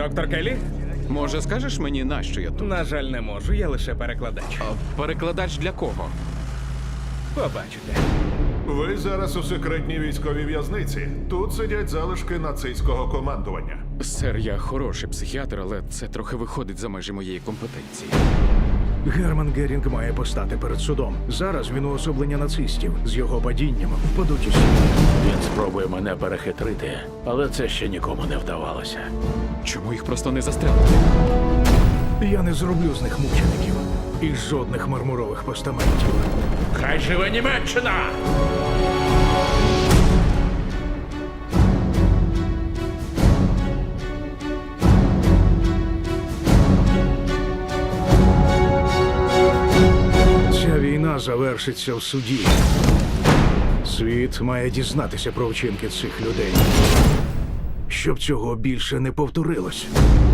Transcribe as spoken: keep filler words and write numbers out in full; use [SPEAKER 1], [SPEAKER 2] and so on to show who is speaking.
[SPEAKER 1] Доктор Келлі?
[SPEAKER 2] Може, скажеш мені, нащо я тут?
[SPEAKER 1] На жаль, не можу, я лише перекладач.
[SPEAKER 2] А перекладач для кого?
[SPEAKER 1] Побачите.
[SPEAKER 3] Ви зараз у секретній військовій в'язниці. Тут сидять залишки нацистського командування.
[SPEAKER 2] Сер, я хороший психіатр, але це трохи виходить за межі моєї компетенції.
[SPEAKER 4] Герман Герінг має постати перед судом. Зараз він уособлення нацистів. З його падінням впадуть усі.
[SPEAKER 5] Він спробує мене перехитрити, але це ще нікому не вдавалося.
[SPEAKER 2] Чому їх просто не застрелити?
[SPEAKER 4] Я не зроблю з них мучеників. І жодних мармурових постаментів.
[SPEAKER 5] Хай живе Німеччина!
[SPEAKER 4] Ця війна завершиться в суді. Світ має дізнатися про вчинки цих людей. Щоб цього більше не повторилось.